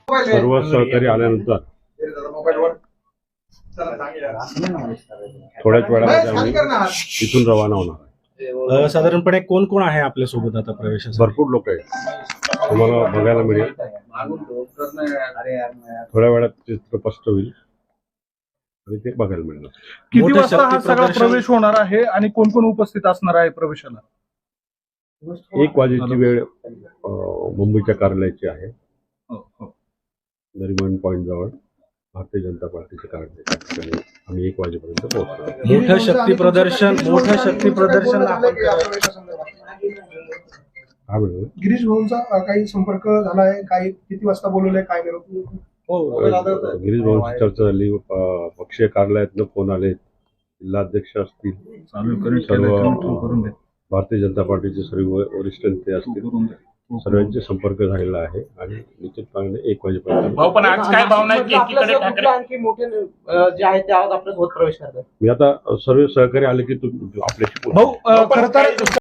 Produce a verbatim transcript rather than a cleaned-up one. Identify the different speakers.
Speaker 1: सर्व सहकारी आल्यानंतर थोड्याच वेळामध्ये आम्ही इथून रवाना होणार आहे.
Speaker 2: अ, साधारणपणे कोण कोण आहे आपल्या सोबत आता प्रवेशासाठी?
Speaker 1: भरपूर लोक आहेत, तुम्हाला बघायला मिळेल. थोड्या वेळात चित्र स्पष्ट होईल आणि ते बघायला मिळणार.
Speaker 3: किती
Speaker 2: मोठं
Speaker 3: वाजता हा
Speaker 2: शक्ती
Speaker 3: सगळा
Speaker 2: प्रदर्शन-
Speaker 3: प्रवेश होणार आहे आणि कोण कोण उपस्थित असणार आहे प्रवेशाला?
Speaker 1: एक वाजेची वेळ अं, मुंबईच्या कार्यालयाची आहे.
Speaker 3: हो, हो.
Speaker 1: नरिमन पॉईंट जवळ भारतीय जनता पार्टीचे कार्यालय त्या ठिकाणी आम्ही एक वाजेपर्यंत पोहोचतो.
Speaker 2: मोठं शक्ती प्रदर्शन मोठं शक्ती प्रदर्शन आपण
Speaker 1: हा मिळेल.
Speaker 4: गिरीश भाऊंचा अ, काही संपर्क झालाय, काही किती वाजता बोलवलंय, काय निरोप?
Speaker 1: हो, गिरीश भाऊंची चर्चा झाली. अं, पक्षीय कार्यालयातनं फोन आले, जिल्हाध्यक्ष असतील, सर्व भारतीय जनता पार्टीचे सर्व वरिष्ठ नेते असतील, सर्वांचे संपर्क झालेला आहे आणि निश्चितपणे एक वाजेपर्यंत
Speaker 5: भाऊ पण आज काय भावना आहे की एकीकडे ठाकरे
Speaker 6: आणखी मोठे अ, जे आहेत ते आज आपल्या सोबत प्रवेश करतात.
Speaker 1: मी आता सर्व सहकारी आले की तुम्ही आपल्याशी बोलू.
Speaker 3: भाऊ, अ, खरं तर